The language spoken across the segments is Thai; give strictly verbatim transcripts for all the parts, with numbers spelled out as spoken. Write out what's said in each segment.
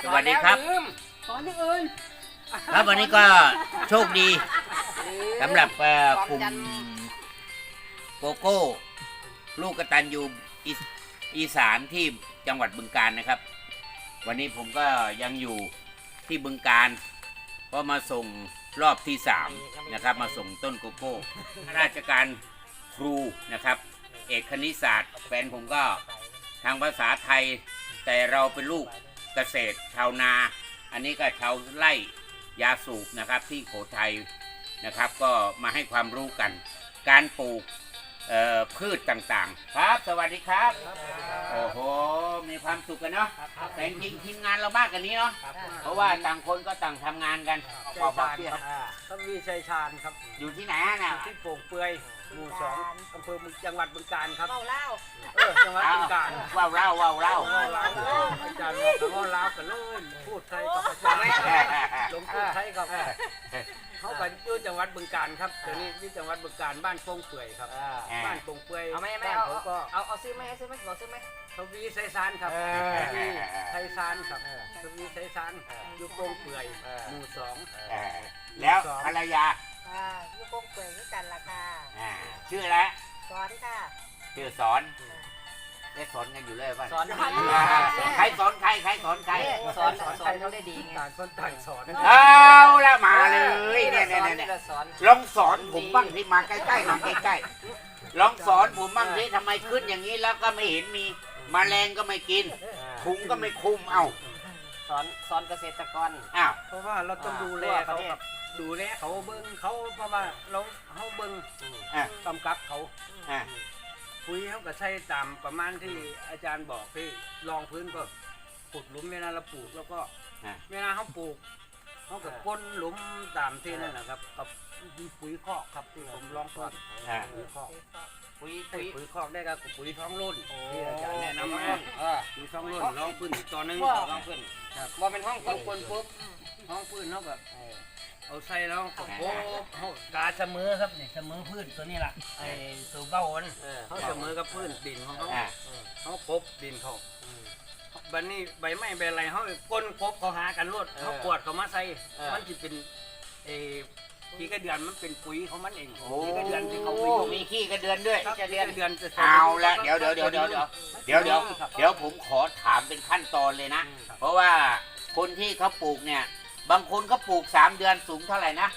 สวัสดีครับสอนที่อื่นครับวันนี้ก็โชคดีสำหรับกลุ่มโกโก้ลูกกตัญญูอีสานที่จังหวัดบึงกาฬนะครับวันนี้ผมก็ยังอยู่ที่บึงกาฬก็มาส่งรอบที่สามนะครับมาส่งต้นโกโก้ราชการครูนะครับเอกคณิตศาสตร์แฟนผมก็ทางภาษาไทยแต่เราเป็นลูกเกษตรชาวนาอันนี้ก็ชาวไร่ยาสูบนะครับที่โขทัยนะครับก็มาให้ความรู้กันการปลูกพืชต่างๆครับสวัสดีครับโอ้โหมีความสุขกันเนาะแต่จริงทีมงานเรามากกันนี้เนาะเพราะว่าต่างคนก็ต่างทำงานกันชัยชาญครับต้องมีชัยชาญครับอยู่ที่ไหนน่ะที่โป่งเปื่อยหมู่สองอำเภอจังหวัดบึงกาฬครับเล่าเล่าเออจังหวัดบึงกาฬว้าวเล่าว้าวเล่าอาจารย์บอกกันว่าเล่ากันเลยพูดไทยกับอาจารย์ลงพูดไทยกับเขาไปอยู่จังหวัดบึงกาฬครับเดี๋ยวนี้ที่จังหวัดบึงกาฬบ้านโป่งเปื่อยครับบ้านโป่งเปื่อยเอาไหมไม่เอาเอาเอาซื้อไหมซื้อไหมบอกซื้อไหมทวีไซซานครับทวีไซซานครับทวีไซซานอยู่โป่งเปื่อยหมู่สองแล้วภรรยาอยู่โป่งเปื่อยด้วยกันล่ะค่ะชื่ออะไรสอนค่ะชื่อสอนได้สอนกันอยู่เลยป่ะสอนใครสอนใครใครสอนใครสอนสอนเขาได้ดีต่างคนต่างสอนเอาละมาเลยเนี่ยเนี่ยเนี่ยลองสอนผมบ้างที่มาใกล้ๆมาใกล้ๆลองสอนผมบ้างที่ทำไมขึ้นอย่างนี้แล้วก็ไม่เห็นมีแมลงก็ไม่กินถุงก็ไม่คุมเอ้าสอนสอนเกษตรกรอ้าวเพราะว่าเราต้องดูแลเขากับดูแลเขาเบิ้งเขาเพราะว่าเราเขาเบิ้งกำกับเขาปุ๋ยเขาก็ใช้ตามประมาณที่อาจารย์บอกที่รองพื้นก็ขุดหลุมเวลาเราปลูกแล้วก็เวลาเขาปลูกเขาก็ก้นหลุมตามที่นั่นนะครับกับปุ๋ยคอกครับที่ผมลองทอดปุ๋ยคอกปุ๋ยปุ๋ยคอกได้กับปุ๋ยท้องรุ่นที่อาจารย์แนะนำมาปุ๋ยท้องรุ่นลองพื้นตอนนึงลองพื้นว่าเป็นห้องก้นก้นปุ๊บห้องพื้นเขาแบบเอาใส่แล้วก็โอ้เขากาเสมอครับนี่เสมอพื้นตัวนี้ล่ะไอ้ตัวเบ้าอันเขาเสมอกับพื้นดินของเขาเขาปบดินเขาบันนี้ใบไม้ใบอะไรเขาก้นปบเขาหากันรวดเขาปวดเขามาใส่มันจะเป็นไอ้ขี้กระเดือนมันเป็นปุ๋ยของมันเองขี้กระเดือนที่เขาไปมีขี้กระเดือนด้วยขี้กระเดือนเดือนเอาละเดี๋ยวเดี๋ยวเดี๋ยวเดี๋ยวเดี๋ยวเดี๋ยวเดี๋ยวเดี๋ยวผมขอถามเป็นขั้นตอนเลยนะเพราะว่าคนที่เขาปลูกเนี่ยบางคนก็ปลูกสามเดือนสูงเท่าไหร่นะ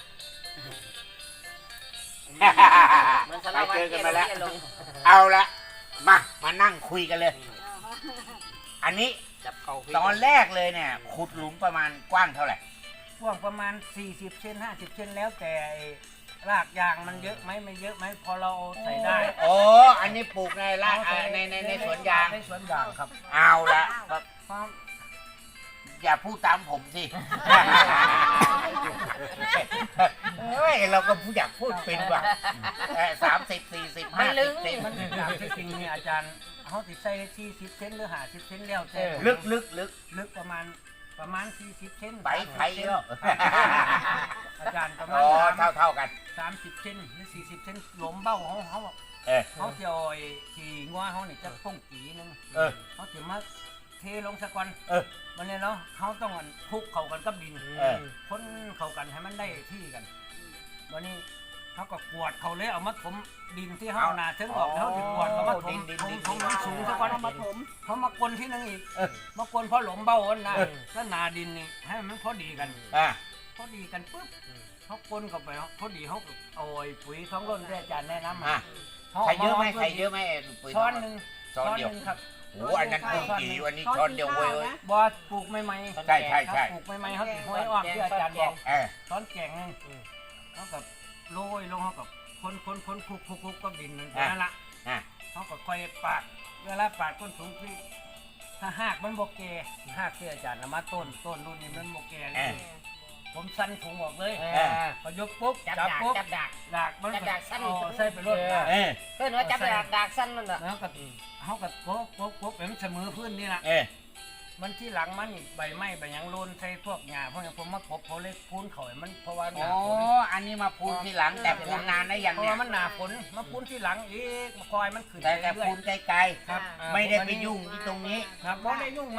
ไปเจอกันมาแล้วเอาละมามานั่งคุยกันเลยอันนี้ตอนแรกเลยเนี่ยขุดหลุมประมาณกว้างเท่าไหร่กว้างประมาณสี่สิบเซนห้าสิบเซนแล้วแต่รากยางมันเยอะไหมไม่เยอะไหมพอเราใส่ได้โอ้อันนี้ปลูกในรากในในในสวนยางในสวนยางครับเอาละอย่าพูดตามผมสิเฮ้ยเราก็อยากพูดเป็นว่ะสามสิบสี่สิบห้าสิบเซนมันจริงๆเนี่ยอาจารย์เขาติดใส่สี่สิบเซนหรือห้าสิบเซนแล้วแต่ลึกลึกลึกลึกประมาณประมาณสี่สิบเซนใบไผ่เนาะอาจารย์ประมาณเท่าเท่ากันสามสิบเซนหรือสี่สิบเซนหลมเบ้าเขาเขาเขาจะเอาขี่งัวเขาเนี่ยจะป้องกีนึงเขาจะมาเทลงสะกอนมันเนี่ยเนาะเขาต้องคลุกเข้ากันกับดินค้นเข้ากันให้มันได้ที่กันวันนี้เขาก็กวดเขาเลยเอามาถมดินที่เขาหนาถึงออกเขาจะกวดเขามาถมถมถมสูงสะกอนเอามาถมเขามากลที่นั่งอีกมากลเพราะหลมเบ้าอันนะแล้วนาดินนี่ให้มันพอดีกันพอดีกันปุ๊บเขากลเข้าไปพอดีเขาเอาปุ๋ยท้องร่นที่อาจารย์แนะนำมาใส่เยอะไหมใส่เยอะไหมปุ๋ยช้อนหนึ่งช้อนเดียวครับโอ้อันนั้นปลูกกี่วันนี้ช้อนเดียวเว้ยบอสปลูกใหม่ๆใช่ใช่ใช่ปลูกใหม่ๆเขาติดห้อยอ้อมที่อาจารย์บอกช้อนแกงนึงเขากับโรยลงเขากับคนคนคนคุกคุกคุกก็ดินนั่นนั่นละเขาก็ค่อยปาดเวลาปาดก้นถุงที่ถ้าหากมันโบเกหากที่อาจารย์นำมาต้นต้นรุ่นนี้มันโบเกเลยผมสั้นถุงออกเลยพอยกปุ๊บจับปุ๊บจับดักดักมันจับดักสั้นใส่ไปรถเพื่อนว่าจับดักดักสั้นมันเหรอเขากับเขากับปุ๊บปุ๊บปุ๊บเป็นเสมอพื้นนี่แหละมันที่หลังมันใบไม้ใบยังโลนใส่พวกหญ้าเพราะอย่างผมมาขบเขาเล็กพูนเขามันเพราะว่าอ๋ออันนี้มาพูนที่หลังแต่พูนนานได้ยังเนี่ยมันหนาฝนมาพูนที่หลังอีกมาคอยมันขึ้นแต่แต่พูนไกลๆครับไม่ได้ไปยุ่งที่ตรงนี้ครับไม่ได้ยุ่งมัน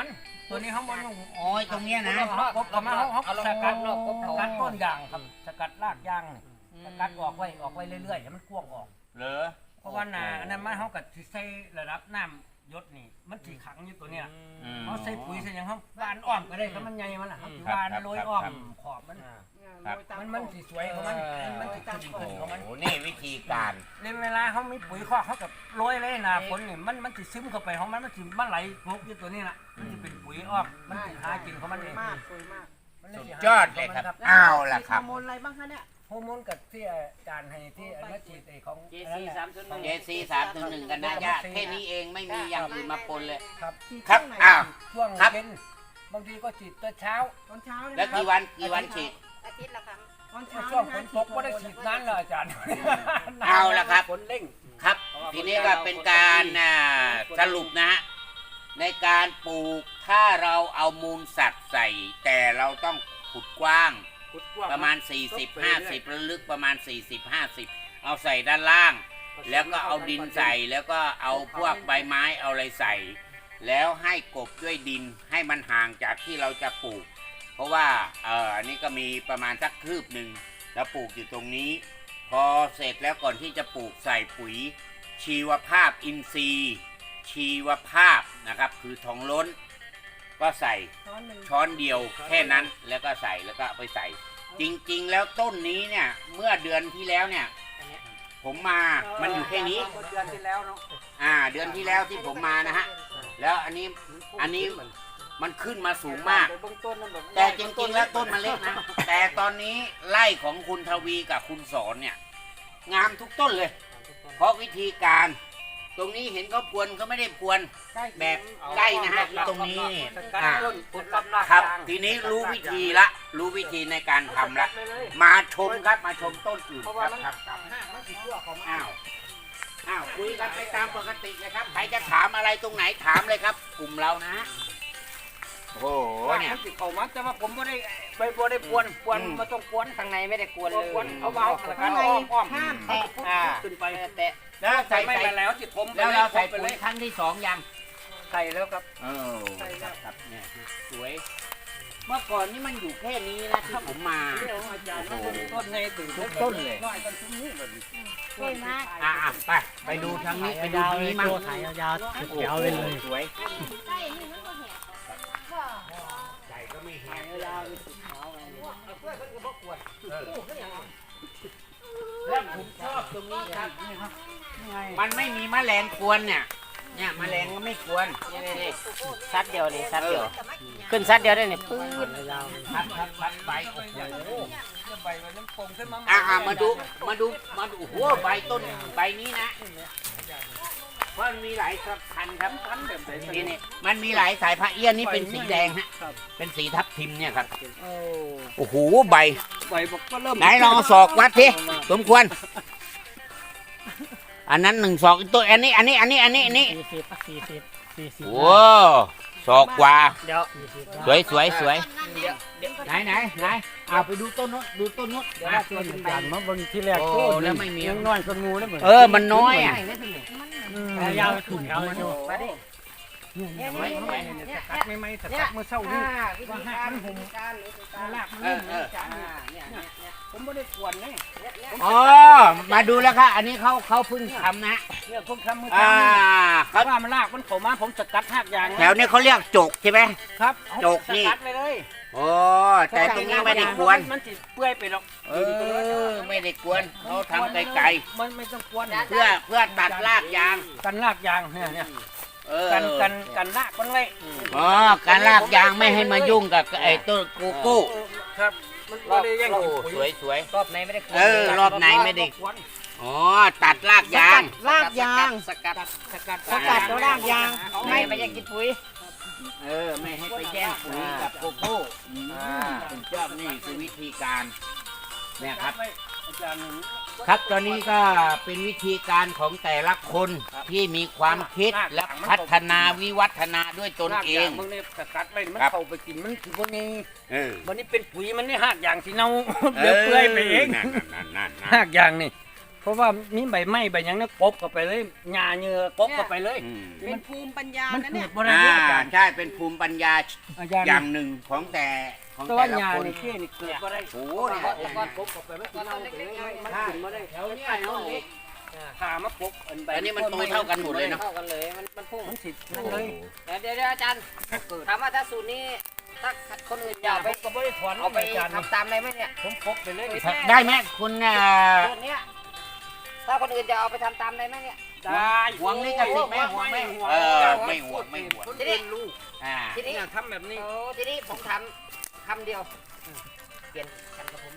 ตัวนี้เขาบอลลงโอ้ยตรงเนี้ยนะกบกับมาเขาเขาสกัดรอบกบสเขากัดต้นยางครับสกัดรากยางนี่สกัดออกไว้ออกไว้เรื่อยๆให้มันกว้างออกเหรอเพราะว่านาอันนั้นมันเขากับที่ใส่ระดับน้ำยศนี่มันสีขังอยู่ตัวเนี้ยอืมเขาใส่ปุ๋ยใส่หยังเขาบานอ้อมก็ได้ครับมันใหญ่มันล่ะครับครับบานครับโรยครับอ้อมครับขอบมันครับมันมันสีสวยของมันมันสีขึ้นขึ้นของมันโอ้นี่วิธีการในเวลาเขามีปุ๋ยคอกเขากับโรยเลยนะฝนนี่มันมันสิซึมเข้าไปของมันมันสิมันไหลลงอยู่ตัวนี้ล่ะมันจะเป็นปุ๋ยอ้อมมันสิหากินของมันเองมากสวยมากมันสุดสิหายอดเลยครับเอาล่ะครับฮอร์โมนอะไรบ้างคะเนี่ยฮอร์โมนกับที่อาจารย์ให้ที่อันนั้นฉีดไอ้ของเจซีสามศูนย์หนึ่งเจซีสามถึงหนึ่งกันนะญาติแค่นี้เองไม่มีอย่างอื่นมาปนเลยครับครับอ้าวช่วงครับเย็นบางทีก็ฉีดตอนเช้าตอนเช้าแล้วกี่วันกี่วันฉีดอาทิตย์ละครั้งตอนเช้าช่วงฝนตกก็ได้ฉีดนั้นเลยอาจารย์เอาละครับฝนเร่งครับ ทีนี้ก็เป็นการอ่าสรุปนะฮะในการปลูกถ้าเราเอามูลสัตว์ใส่ แต่เราต้องขุดกว้างประมาณ สี่สิบ ห้าสิบแล้วลึกประมาณ สี่สิบ ห้าสิบ เอาใส่ด้านล่าง แล้วก็เอาดินใส่แล้วก็เอาพวกใบไม้เอาอะไรใส่ แล้วให้กบด้วยดินให้มันห่างจากที่เราจะปลูก เพราะว่าเอออันนี้ก็มีประมาณสักคืบหนึ่งแล้วปลูกอยู่ตรงนี้ พอเสร็จแล้วก่อนที่จะปลูกใส่ปุ๋ย ชีวภาพอินทรีย์ ชีวภาพนะครับคือทองล้น ก็ใส่ช้อนเดียวแค่นั้นแล้วก็ใส่แล้วก็เอาไปใส่ จริงๆแล้วต้นนี้เนี่ยเมื่อเดือนที่แล้วเนี่ย ผมมามันอยู่แค่นี้เดือนที่แล้วเนาะอ่าเดือนที่แล้วที่ผมมานะฮะแล้วอันนี้อันนี้มันขึ้นมาสูงมาก แต่จริงๆแล้วต้นมันเล็กนะ แต่ตอนนี้ไร่ของคุณทวีกับคุณสอนเนี่ย งามทุกต้นเลย เพราะวิธีการ ตรงนี้เห็นเขาพรวนเขาไม่ได้พรวนแบบใกล้นะฮะตรงนี้นี่สกัดอ่าต้นขุดลำรากครับยางทีนี้รู้วิธีละ รู้วิธีในการทำละ มาชมครับมาชมต้นอื่นเพราะคว่ารับมันครับครับห้างมันสิชั่วของมันอ้าวอ้าวคุยกันไปตามปกติเลยครับใครจะถามอะไรตรงไหนถามเลยครับ กลุ่มเรานะโอ้โหเนี่ยมันสิเข้ามาแต่ว่าผมไม่ได้ไปบ่ได้ปวนปวนอืมมาต้องปวนข้างในไม่ได้กวนเอาเลยปวนเอาวางสกัดอ้อมอ้อมห้ามแตะอ่าขึ้นไปแตะแล้วใส่ไม่ใส่ไปแล้วสิทมไปแล้วลเรายใส่ไปปุ๋เลย ยครั้งที่สองยังใส่แล้วครับเออครับครับเนี่ยสวย เมื่อก่อนนี่มันอยู่แค่นี้นะที่ผมมาเรื่องอาจารย์มันเป็นต้นในตื่นทุกต้นเลยน้อยกันทุกนี้แบบนี้กล้วยมากอ่ะอ่ะไปไปดูทางนี้ไปดูทางนี้มั่งถ่ายยาวๆโอ้โหเขียวๆไปเลยสวยใช่นี่มันก็แหกก็ใหญ่ก็ไม่แห้งยาวเป็นสีขาวอะไรเนี่ยแล้วผมชอบตรงนี้ครับมันไม่มีแมลงกวนเนี่ย เนี่ยแมลงก็ไม่กวนนี่นี่นี่ซัดเดียวนี่ซัดเดียว ขึ้นซัดเดียวได้เนี่ยปื้ดพัดพัดพัดใบโอ้โหใบมันน้ำปงขึ้นมาอ่ะอ่ะมาดูมาดูมาดูโอ้โหใบต้นใบนี้นะเพราะมันมีหลายพันธุ์ครับพันแบบไหนนี่นี่มันมีหลายสายพันธุ์เอี้ยนนี่เป็นสีแดงฮะเป็นสีทับทิมเนี่ยครับโอ้โอ้โหใบใบบอกก็เริ่มไหนลองเอาศอกวัดทีสมควร อันนั้นหนึ่งศอกตัวอันนี้อันนี้อันนี้อันนี้อันนี้สี่สิบสี่สิบสี่สิบโอ้ศอกกว่าเดี๋ยวสวยสวยสวยเดี๋ยวเดี๋ยวไหนไหนไหนเอาไปดูต้นนู้นดูต้นนู้นเดี๋ยวอ่ะว่าตัวเป็นใบยันมาเบนที่แรกโอ้โตแล้วไม่มียังน้อยกว่างูแล้วเหมือนเออมันน้อยอ่ะยาวขึ้นยาวเลยมาดิเนี่ยเนี่ยเนี่ยเนี่ยสกัดไม่ไม่สกัดเมื่อเช้านี้อ่าวิธีการวิธีการวิธีการลากมันเออเอออ่าเนี่ยเนี่ยเนี่ยผมไม่ได้กวนนี่เนี่ยเนี่ยอ๋อมาดูแล้วครับอันนี้เขาเขาเพิ่งทำนะเนี่ยผมทำมืออ่าทำเขาเขาว่ามันลากมันเข้ามาผมสกัดหักยางแถวนี้เขาเรียกจกใช่ไหมครับจกนี่สกัดไปเลยโอ้แต่ตรงนี้ไม่ได้กวนมันจิเปื่อยไปหรอกเออไม่ได้กวนเขาทำไกลมันไม่ต้องกวนๆเพื่อเพื่อตัดรากยางกันลากยางเนี่ยเนี่ยเออกันกันกันลากมันไว้อ๋อการลากยางไม่ให้มายุ่งกับไอ้ต้นโกโก้ครับมันไม่ได้แย่งโอ้กินปุ๋ยสวยสวยรอบในไม่ได้กวนเออรอบในไม่ได้ อ๋อตัดรากยางลากยางสกัดสกัดสกัดแล้วลากยางไม่ไปยังกินปุ๋ยเออไม่ให้ไปแย่งปุ๋ยกับโกโก้อืมผมชอบนี่คือวิธีการเนี่ยครับอาจารย์ครับตอนนี้ก็เป็นวิธีการของแต่ละคนที่มีความคิดและพัฒนาวิวัฒนาด้วยตนเองมันเนี่ยสกัดไว้มันครับเข้าไปกินมันคือพวกนี้เออวันนี้เป็นปุ๋ยมันนี่หักยางที่เน่าเดี๋ยวเปื่อยไปเองนั่นนั่นนั่นนั่นหักยางนี่เพราะว่ามีใบไม้ใบหยังเนี่ยกบเข้าไปเลยหญ้าเนื้อกบเข้าไปเลยอืมเป็นภูมิปัญญามันนะเกิเนี่ยดบ่ได้อ่าเด้ออาจารย์ใช่เป็นภูมิปัญญาอาจารย์อย่างหนึ่งของแต่ของแต่แต่ว่าละหญ้าคนนี่เกี้นี่เกิดบ่ได้โอ้โอ้เนี่ยเนี่ยก้อนกบเข้าไปไม่กินเอาไปเลยมันกินบ่ได้แถวเนี้ยเนาะนี่ขามาปกอันใบอันนี้มันโตเท่ากันหมดเลยเนาะเท่ากันเลยมันมันพุ่งมันสินั่นเลยเดี๋ยวเดี๋ยวเดี๋ยวอาจารย์เกิดถามว่าถ้าสูตรนี้ถ้าคนอื่นอยากไปไปก็บ่ได้ถอนเอาไปอาจารย์ทำตามได้ไหมเนี่ยผมปกไปเลยได้ไหมคุณเอ่อสูตรเนี้ยถ้าคนอื่นจะเอาไปทำตามได้ไหมเนี่ยได้หวงลิขสิทธิ์ไหมหวงไหมเออไม่หวงไม่หวงคนอื่นลูกอ่าทีนี้เนี่ยทำแบบนี้โอ้ทีนี้ผมถามคำเดียวเปลี่ยนกันกับผม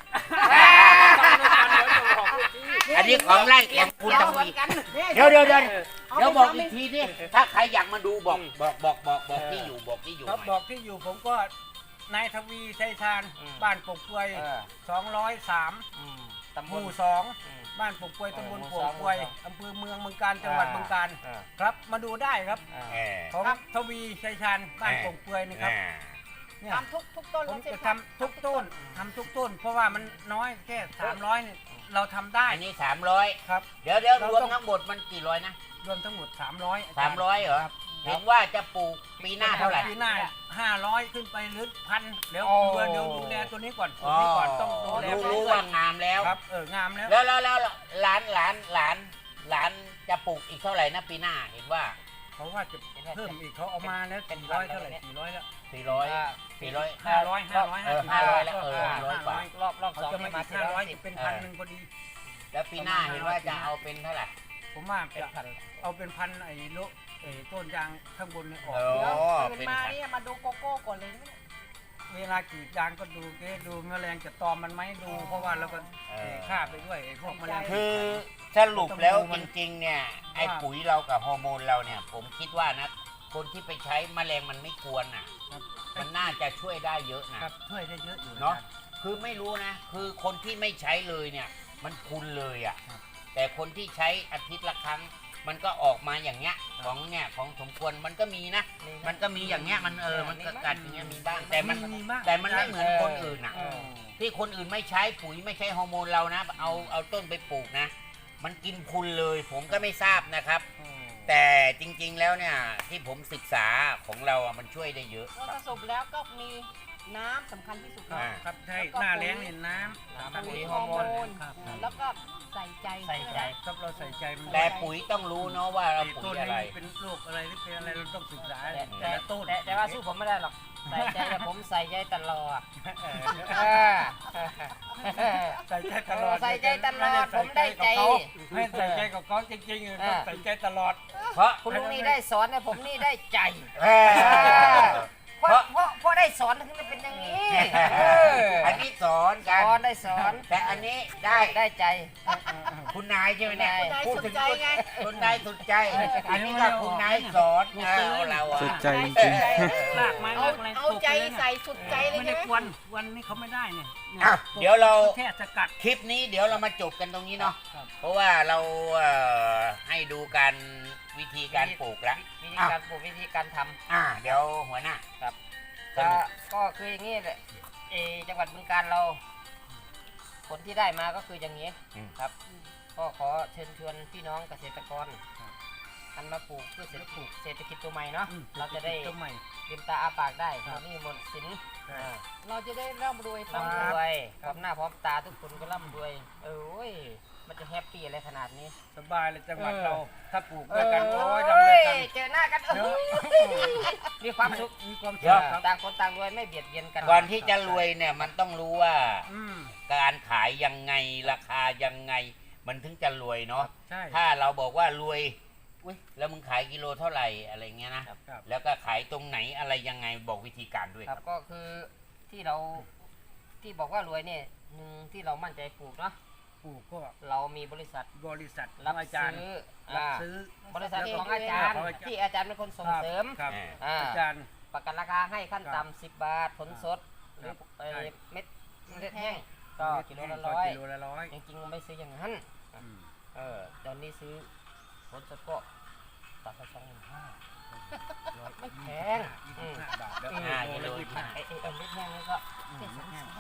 อันนี้ของไร่ของคุณทวีเดี๋ยวเดี๋ยวเดี๋ยวเดี๋ยวบอกอีกทีนี่ถ้าใครอยากมาดูบอกบอกบอกบอกบอกที่อยู่บอกที่อยู่ครับหบน่ออยกที่อยู่ผมก็นายทวีชัยชาญบ้านปกกวยสองร้อยสามตำหบลมู่สองบ้านปกกวยตำบลปกกวยอำเภอเมืองเมืองการจังหวัดเมืองการครับมาดูได้ครับเออผมทวีชัยชาญบ้านปกกวยนี่ครับอ่าเนี่ยทำทุกทุกต้นผมแล้วใช่จะไหมทำทุกต้นทำทุกต้น เพราะว่ามันน้อยแค่สามร้อยเนี่ยเราทำได้อันนี้สามร้อยครับเดี๋ยวเดี๋ยวรวมทั้งหมดมันกี่ร้อยนะรวมทั้งหมดสามร้อยสามร้อยเหรอเห็นว่าจะปลูกปีหน้าเท่าไหร่ปีหน้าห้าร้อยขึ้นไปหรือพันเดี๋ยวโอ้เดี๋ยวดูแลตัวนี้ก่อนตัวอ๋อนี้ก่อนต้องดูแลรู้ไปรู้เรื่อว่าย งามแล้วครับเอองามแล้วแล้วแล้วแล้วหลานหลานหลานหลานจะปลูกอีกเท่าไหร่นะปีหน้าเห็นว่าเขาว่าจะเพิ่มอีกเขาเอามาแล้วสี่ร้อยเท่าไหร่สี่ร้อยแล้วสี่ร้อยสี่ร้อยห้าร้อยห้าร้อยเออห้าร้อยแล้วเออห้าร้อยกว่ารอบรอบเขาสองจะนี่มามาอีกสี่ห้าร้ร้ออย ยสิบจะเป็นพันหนึ่งพอดีแล้วปีหน้าเห็นว่าจะเอาเป็นเท่าไหร่ผมว่าเป็นจะพันเอาเป็นพันไอ้โลไอ้ต้นยางข้างบนเนี่ยออกโอ้เดี๋ยวตื่นเป็นมาพันเนี่ยมาดูโกโก้ก่อนเลยนะเวลากรีดยางก็ดูเก๊ดูแมลงจะตอมมันไหมดู เพราะว่าเราก็ฆ่าไปด้วยไอ้พวกแมลงคือสรุปแล้วจริงๆเนี่ยไอ้ปุ๋ยเรากับฮอร์โมนเราเนี่ย ผมคิดว่านะคนที่ไปใช้แมลงมันไม่ควรอ่ะครับมันน่าจะช่วยได้เยอะนะครับช่วยได้เยอะอยู่เนาะ คือไม่รู้นะ คือคนที่ไม่ใช้เลยเนี่ย มันคุณเลยอะ่ะ แต่คนที่ใช้อาทิตย์ละครั้ง มันก็ออกมาอย่างเงี้ย ของเนี่ยของสมควรมันก็มีนะ มันก็มีอย่างเงี้ย มันเออ มันก็กัดอย่างเงี้ยมีบ้าง แต่มันมีบ้างแต่มันไม่เหมือนคนอื่นอ่ะเออที่คนอื่นไม่ใช้ปุ๋ยไม่ใช้ฮอร์โมนเรานะ เอาเอาต้นไปปลูกนะ มันกินคุณเลย ผมก็ไม่ทราบนะครับ แต่จริงๆแล้วเนี่ยที่ผมศึกษาของเราอ่ะมันช่วยได้เยอะเราสรุปแล้วก็มีน้ำสำคัญที่สุดครับอ่าครับใช่หน้าแล้งเนี่ยน้ำน้ำครับปุ๋ยฮอร์โมนครับแล้วก็ใส่ใจใส่ใจครับเราใส่ใจมันแต่ปุ๋ยต้องรู้เนาะว่าเราไอ้ปุ๋ต้นยอะไรนี้เป็นโรคอะไรหรือเป็นอะไรเราต้องศึกษาแต่แต่ละต้นแต่แต่ว่าสู้ผมไม่ได้หรอก ใส่ใจแต่ผมใส่ใจตลอดเออใส่ใจตลอดใส่ใจตลอดผมได้ใจไม่ใส่ใจกับเขาจริงๆต้องใส่ใจตลอดเพราะคุณลุงนี่ได้สอนเนี่ยผมนี่ได้ใจเออเพราะเพราะเพราะได้สอนถึงได้เป็นอย่างนี้เอออันนี้สอนสกันอนได้สอนแต่อันนี้ได้ได้ใจคุณนายใช่ไหมเนี่ยคุณนายพูดถึงคุณคุณนายสุดใจ อันนี้ก็คุณนายสอนเอาเราอะสุดใจจริงลากไม้เอาลากอะไรเอาใจใส่สุดใจเลยไม่ใช่ได้ไหมควันวันนี้เขาไม่ได้เนี่ยอ่ะเดี๋ยวเราแค่สกัดคลิปนี้เดี๋ยวเรามาจบกันตรงนี้เนาะครับเพราะว่าเราเอ่อให้ดูการวิธีการปลูกแล้ววิธีการปลูกวิธีการทำอ่า เดี๋ยวหัวหน้าครับสก็นุกก็คืออย่างนี้แหละเออจังหวัดบึงกาฬเรา ผลที่ได้มาก็คืออย่างนี้ครับ ก็ขอเชิญชวนพี่น้องเกษตรกรหันมาปลูกเพื่อเศรษฐกิจเศรษฐกิจตัวใหม่เนาะอืมเราจะได้ต้นใหม่ลืมตาอาปากได้ครับหมดหนี่หมดสินอ่าเราจะได้ร่ำรวยร่ำทำรวยพร้อมหน้าพร้อมตาทุกคนก็ร่ำรวย เออโอ้ยมันจะแฮปปี้อะไรขนาดนี้สบายเลยจังหวัดเออเราถ้าปลูกด้วยกันเอโอ้อยทำด้วยกันเจอหน้ากันเออมีความสุขมีความเดี๋สุยวขครับต่างคนต่างรวยไม่เบียดเบียนกันก่อนที่จะรวยเนี่ยมันต้องรู้ว่าอืมการขายยังไงราคายังไง มันถึงจะรวยเนาะใช่ถ้าเราบอกว่ารวยอุ้ยแล้วมึงขายกิโลเท่าไหร่อะไรเงี้ยนะครับครับแล้วก็ขายตรงไหนอะไรยังไงบอกวิธีการด้วยคครัรับบ ก็คือที่เราที่บอกว่ารวยเนี่ยหนึ่งที่เรามั่นใจปลูกเนาะปลูกก็เรามีบริษัทบริษัทรับอาจารย์ซื้อรับอ่าซื้อบริษัทของอาจารย์ของอาจารย์ที่อาจารย์เป็นคนส่งเสริมครับอ่าอ่าอาจารย์ประกันราคาให้ขั้นครับต่ำสิบบาทผลสดหรือครับเอ่อใช่เม็ดเม็ดแห้งก็กิโลละร้อยกิโลละร้อยจริงๆไม่ซื้ออย่างนั้นอืมเออตอนนี้ซื้อผลสดก็ตัดไปสองหมื่นห้า ไม่แพงยี่สิบห้าบาทแล้วอืมอ่ากิโลยี่สิบห้าไอ้ไอ้เม็ดแห้งนี่ก็อืมแค่สองแสนอ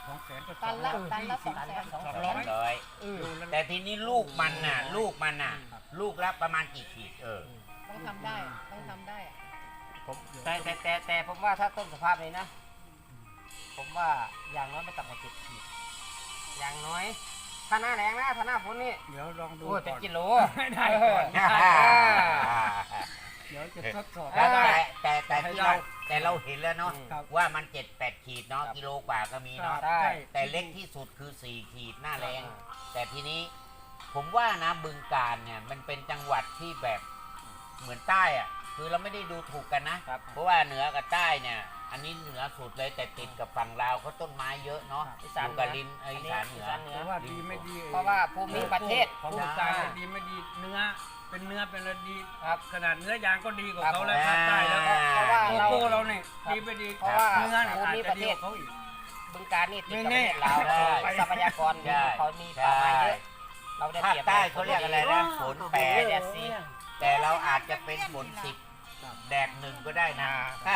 สองแสนก็ตันละตันละสองตันแสละนสองสองแสร้อน ยร้อยเออแต่ทีนี้ลูกมันน่ะ ลูกมันน่ะ ลูกละประมาณกี่ขีดเออต้องทำได้ต้องทำได้ผมแต่แต่แต่แต่ผมว่าถ้าต้นสภาพนี้นะ ผมว่าอย่างน้อยไม่ต่ำกว่าเจ็ดขีดอย่างน้อย ถ้าหน้าแรงนะถ้าหน้าฝนนี่เดี๋ยวลองดูโอ้ยเป็นก่อนกิโลได้ก่อนเออเดี๋ยวจะทดสอบได้แต่แต่แต่ที่เราแต่เราเห็นแล้วเนาะครับว่ามันเจ็ดแปดขีดเนาะครับกิโลกว่าก็มีเนาะได้แต่เล็กที่สุดคือสี่ขีดหน้าแรง แต่ทีนี้ผมว่านะบึงการเนี่ยมันเป็นจังหวัดที่แบบเหมือนใต้อะคือเราไม่ได้ดูถูกกันนะครับเพราะว่าเหนือกับใต้เนี่ย อันนี้เหนือสุดเลยแต่ติดกับฝั่งลาวเขาต้นไม้เยอะเนาะอีอสานยู่กับลินเอยอีสานเหนือแต่ว่าดีไม่ดีเพราะว่าภูมิประเทศของภาคใต้ดีไม่ดีเนื้อเป็นเนื้อเป็นอะไรดีครับขนาดเนื้อยางก็ดีกว่าครับเขาแล้วภาคใต้แล้วก็เพราะว่าโกเราโก้เราเนี่ยดีไปดีเพราะว่าเนื้อเนี่ยภูอาจมิจะประดีเทกศว่าเขาอีกบึงการนี่ติดกับแน่ประเทศๆลาวใช่ทรัพยากรใช่เขามีป่าไม้เยอะ เราได้ภาเปครียบใต้เขาเรียกอะไรนะฝนแปดแดดสีแต่เราอาจจะเป็นฝนสิบแดดหนึ่งก็ได้นะ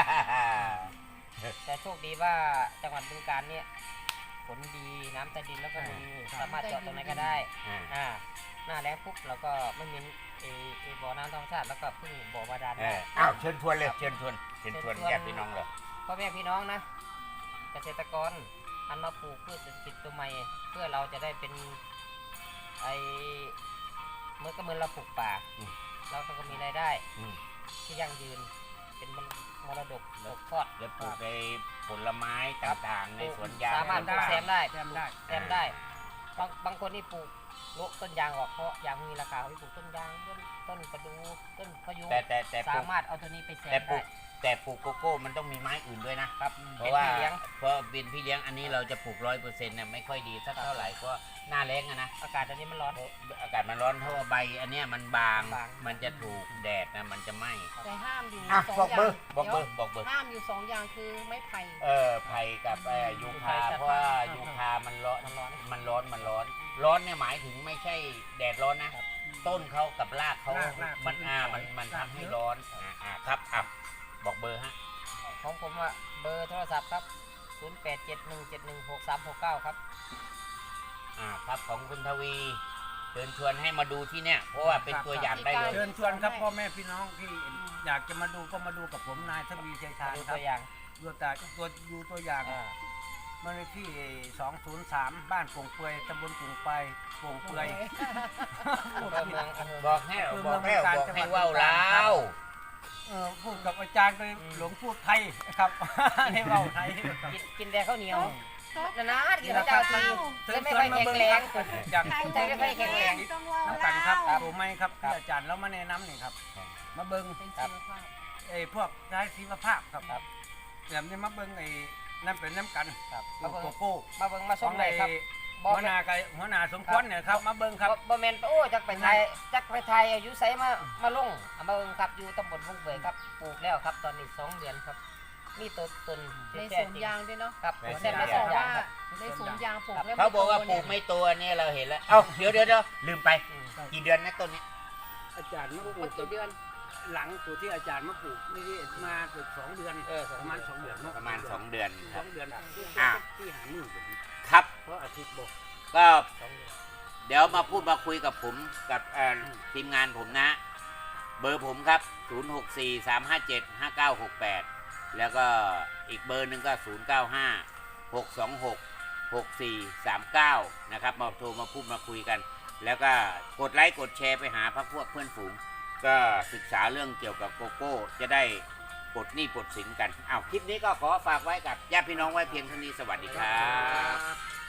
แต่โชคดีว่าจังหวัดบึงการเนี่ยฝนดีน้ำใต้ดินแล้วก็มีสามารถเจาะตรงไหนก็ได้อ่าอ่าหน้าแล้งปุ๊บเราก็ไม่มีเอเอบ่อน้ำธรรมชาติแล้วก็พึ่งบ่อบาดาลเอได้ออ้าวเชิญชวนเลยเชิญชวนเชิญชวนญาติพี่น้องเลยพ่อแม่พี่น้องนะ เกษตรกรหันมาปลูกพืชเศรษฐกิจตัวใหม่ เพื่อเราจะได้เป็นไอเมื่อก็เหมือนเราปลูกป่าเราก็มีรายได้อืมที่ยั่งยืนเป็นมรดกตกทอดแล้วปลูกในผลไม้ต่างๆ ในสวนยางสามารถปลูกแซมได้แซมได้แซมได้บางบางคนนี่ปลูกโละต้นยางออกเพราะยางมีราคาเขาไปปลูกต้นยางต้นต้นประดูต้นพะยุงแต่แต่แต่ปลูสาก มารถเอาตัวนี้ไปแซแต่มปลูได้กแต่ปลูกโกโก้มันต้องมีไม้อื่นด้วยนะครับเพราะว่าเป็นพี่เลี้ยงเพราะบินพี่เลี้ยงอันนี้เราจะปลูกร้อยเปอร์เซ็นต์เนี่ยไม่ค่อยดีสักเท่าไหร่เพราะหน้าแรงอะนะอากาศตอนนี้มันร้อนอากาศมันร้อนเพราะว่าใบอันเนี้ยมันบางบางมันจะถูกแดดนะมันจะไหม้แต่ห้ามอยู่อ่ะสองบอกอย่าเบอง ร์บอกเบอร์บอกเบอร์ห้ามอยู่สองอย่างคือไม้ไผ่เออไผ่กับเอ่อยูคาไผ่จะเพราะว่ายูคามันร้อนมันร้อนมันร้อนมันร้อน ร้อนเนี่ยหมายถึงไม่ใช่แดดร้อนนะ ต้นเขากับรากเขารากรากมันอ่ามันมันทำให้ร้อนอ่าอ่าครับอ่ะบอกเบอร์ฮะของผมอะเบอร์โทรศัพท์ครับ ศูนย์ แปด เจ็ด หนึ่ง เจ็ด หนึ่ง หก สาม หก เก้า ครับอ่าครับของคุณทวีเชิญชวนให้มาดูที่เนี่ย เพราะว่าเป็นตัวอย่างได้เลยเชิญชวนครับพ่อแม่พี่น้องที่อยากจะมาดูก็มาดูกับผมนายทวีชัยชาญดูครัตับวอย่างดูแต่ตัวดูตัวอย่างอ่ามาเลยที่สองศูนย์สามบ้านโป่งเปือยตำบลโป่งไปโป่งเปือยอำเภอเมืองอำเภอบอกให้บอกให้บอกให้เว่าลาวเออพูดกับอาจารย์ก็หลงพูดไทยครับ ให้เว้าไทยครับกินกินแต่ข้าวเหนียวครับนานๆกินข้าวเจ้าทีแล้วไม่ค่อยแข็งแรงอยากใจไม่ค่อยแข็งแรงน้ำกันครับถูกไหมครับที่อาจารย์แล้วมาแนะนำนี่ครับ มาเบิ้งเป็นชีวภาพไอ้พวกใช้ชีวภาพครับแบบนี้มาเบิ้งไอ้นั่นเป็นน้ำกันครับโกมาเบิ่งโก้มาเบิ่งมาขชอมงเลไอ้ยครับหัวหน้ากับหัวหน้าสมควรเนี่ยครับมาเบิ้งครับบ่บ่แม่นโอ้จักไปไทยจักไปไทยอายุไสมามาลงเอามาเบิ่งครับอยู่ตำบลพุ่งเบยครับปลูกแล้วครับตอนนี้สองเดือนครับมีต้นต้นในแท้สวนจริงยางด้วยเนาะครับในสวนแซ่บเขาได้บสออง กอย่างว่าครับในสวนยางปลูกแล้วเขาบอกว่าปลูกไม่โตเนี่ยเราเห็นแล้ว เอ้าเดี๋ยวเดี๋ยวเดี๋ยวลืมไปอืมกี่เดือนนะต้นนี้อาจารย์มาปปลูลูกกกี่เดือนหลังตัวที่อาจารย์มาปลูกนี่มาเกือบสองเดือนเออสองประมาณสองเดือนเนประมาณสองเดือนคสรัอบ งเดือนอ่ะที่หามือผมครับเพราะอาทิตย์บอกก็สองเดือนเดี๋ยวมาพูดมาคุยกับผมกับเอ่อทีมงานผมนะ เบอร์ผมครับ ศูนย์ หก สี่ สาม ห้า เจ็ด ห้า เก้า หก แปด แล้วก็อีกเบอร์หนึ่งก็ ศูนย์ เก้า ห้า หก สอง หก หก สี่ สาม เก้า นะครับมาโทรมาพูดมาคุยกัน แล้วก็กดไลค์กดแชร์ไปหาพรรคพวกเพื่อนฝูง ก็ศึกษาเรื่องเกี่ยวกับโกโก้ จะได้ปลดหนี้ปลดสินกันอ้าวคลิปนี้ก็ขอฝากไว้กับญาติพี่น้องไว้เพียงเท่านี้สวัสดีครับ